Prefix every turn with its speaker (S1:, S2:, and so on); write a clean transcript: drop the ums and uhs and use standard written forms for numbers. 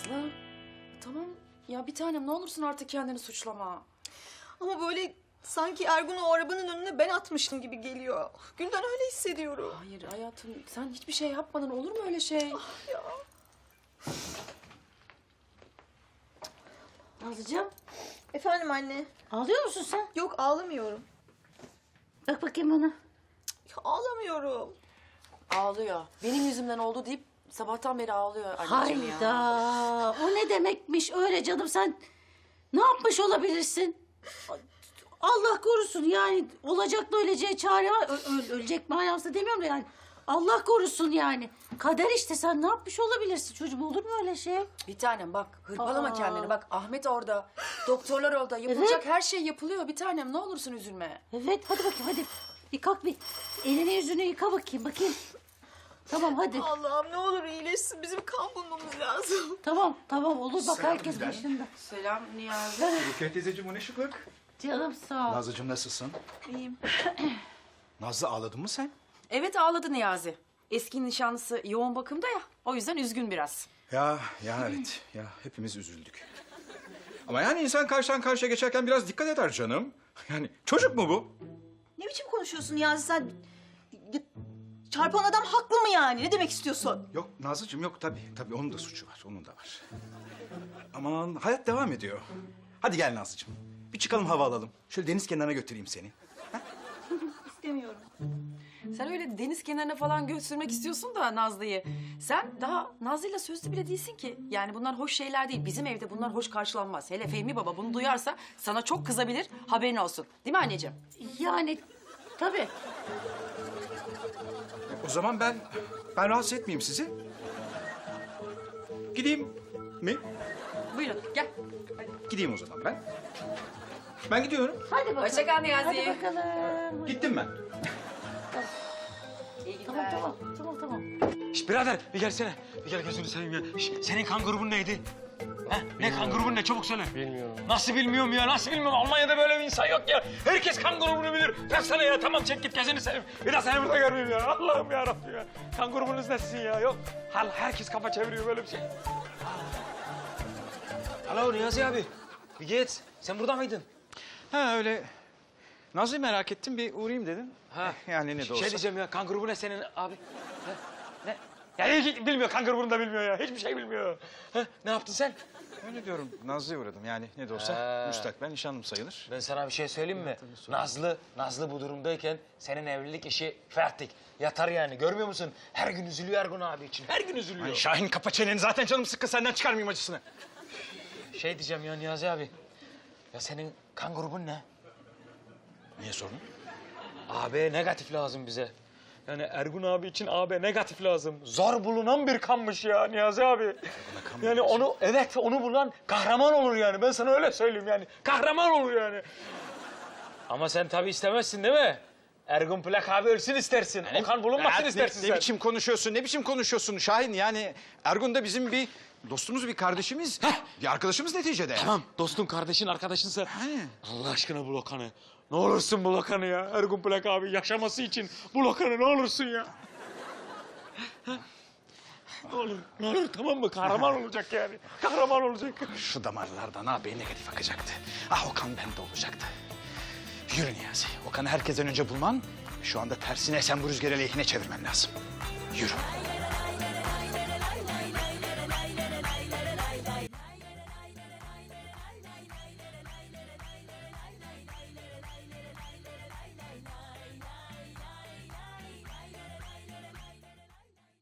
S1: Nazlı, tamam ya bir tanem ne olursun artık kendini suçlama.
S2: Ama böyle sanki Ergun'u o arabanın önüne ben atmıştım gibi geliyor. Gülden öyle hissediyorum.
S1: Hayır hayatım sen hiçbir şey yapmadın, olur mu öyle şey?
S2: Ya.
S3: Nazlıcığım,
S2: Efendim anne.
S3: ağlıyor musun sen?
S2: Yok ağlamıyorum.
S3: Bak bakayım bana.
S2: Ya, ağlamıyorum.
S1: Ağlıyor. Benim yüzümden oldu deyip sabahtan beri ağlıyor anneciğim
S3: Hayda,
S1: ya.
S3: o ne demekmiş öyle canım, sen ne yapmış olabilirsin? Allah korusun yani, olacakla öleceğe çare var. Ölecek manasında demiyorum da yani. Allah korusun yani. Kader işte, sen ne yapmış olabilirsin çocuğum, olur mu öyle şey?
S1: Bir tanem bak hırpalama
S3: Aa.
S1: kendini. Bak Ahmet orada, doktorlar orada. Yapılacak her şey yapılıyor bir tanem. Ne olursun üzülme.
S3: Evet, hadi bakayım hadi. Bir kalk bir, elini yüzünü yıka bakayım. Tamam hadi.
S2: Allah'ım ne olur iyileşsin. Bizim kan bulmamız lazım.
S3: Tamam olur, bak
S4: Selam
S3: herkes
S4: Gülden.
S3: başında.
S1: Selam Niyazi.
S4: Rukiye teyzeciğim, o ne şıklık?
S3: Canım sağ ol.
S4: Nazlıcığım nasılsın?
S2: İyiyim.
S4: Nazlı, ağladın mı sen?
S1: Evet ağladı Niyazi. Eski nişanlısı yoğun bakımda ya. O yüzden üzgün biraz.
S4: Ya evet. Ya hepimiz üzüldük. Ama yani insan karşıdan karşıya geçerken biraz dikkat eder canım. Yani çocuk mu bu?
S2: Ne biçim konuşuyorsun ya sen? Çarpan adam haklı mı yani? Ne demek istiyorsun?
S4: Yok Nazlıcığım, yok tabii onun da suçu var, onun da var. Aman hayat devam ediyor. Hadi gel Nazlıcığım. Bir çıkalım, hava alalım. Şöyle deniz kenarına götüreyim seni.
S2: İstemiyorum.
S1: Sen öyle deniz kenarına falan götürmek istiyorsun da Nazlı'yı. Sen daha Nazlı'yla sözlü bile değilsin ki. Yani bunlar hoş şeyler değil. Bizim evde bunlar hoş karşılanmaz. Hele Fehmi Baba bunu duyarsa sana çok kızabilir. Haberin olsun. Değil mi anneciğim?
S3: Yani tabii.
S4: O zaman ben rahatsız etmeyeyim sizi. Gideyim mi?
S1: Buyurun gel.
S4: Gideyim o zaman ben. Ben gidiyorum.
S3: Hadi bakalım.
S1: Hoşça kal Niyazi.
S3: Hadi bakalım.
S4: Gittim ben.
S1: İyi günler.
S3: Tamam.
S5: Şş birader bir gelsene. Bir gel gözünü seveyim ya. Şş, senin kan grubun neydi? Ha? Ne kan grubun ne? Çabuk söyle.
S6: Bilmiyorum.
S5: Nasıl bilmiyorum ya? Nasıl bilmiyorum? Almanya'da böyle bir insan yok ya. Herkes kan grubunu bilir. Bıraksana ya. Tamam çek git gözünü seveyim. Bir daha seni burada görmeyeyim ya. Allah'ım ya Rabbim ya. Kan grubunuz nesin ya? Yok. Herkes kafa çeviriyor böyle bir şey. Alo Niyazi abi. Bir geç. Sen burada mıydın?
S4: Ha öyle. Nazlı'yı merak ettim, bir uğrayayım dedim.
S5: Ha.
S4: Yani ne de olsa.
S5: Şey diyeceğim ya. Kan grubu ne senin abi? Ne? Ya hiç bilmiyor. Kan grubunu da bilmiyor ya. Hiçbir şey bilmiyor. Ha? Ne yaptın sen?
S4: Öyle diyorum, Nazlı'ya uğradım. Yani ne de olsa
S5: Ha.
S4: müstakbel nişanlım sayılır.
S5: Ben sana bir şey söyleyeyim mi? Nazlı bu durumdayken senin evlilik işi fertik. Yatar yani, görmüyor musun? Her gün üzülüyor Ergun abi için. Her gün üzülüyor.
S4: Ay Şahin, kapa çeneni, zaten canım sıkkın, senden çıkarmayayım acısını.
S5: Şey diyeceğim ya Niyazi abi. Ya senin kan grubun ne?
S4: Niye sordun?
S5: AB negatif lazım bize. Yani Ergun abi için AB negatif lazım. Zor bulunan bir kanmış ya Niyazi abi. Yani onu bulan kahraman olur yani. Ben sana öyle söyleyeyim yani. Kahraman olur yani. Ama sen tabii istemezsin değil mi? Ergun Plak abi ölsün istersin. O kan bulunmasın istersin
S4: ne
S5: sen.
S4: biçim konuşuyorsun Şahin? Yani Ergun da bizim bir dostumuz, bir kardeşimiz, bir arkadaşımız neticede.
S5: Tamam dostun, kardeşin, arkadaşınsa
S4: Hani?
S5: Allah aşkına bul Okan'ı. Ne olursun bul Okan'ı ya. Ergun Plak abi yaşaması için bul Okan'ı, ne olursun ya. Ne olur tamam mı? Kahraman olacak yani. Kahraman olacak.
S4: Şu damarlardan abi negatif akacaktı. Ah, Okan bende olacaktı. Yürü Niyazi. Okan'ı herkesten önce bulman, şu anda tersine sen bu rüzgarı lehine çevirmen lazım. Yürü.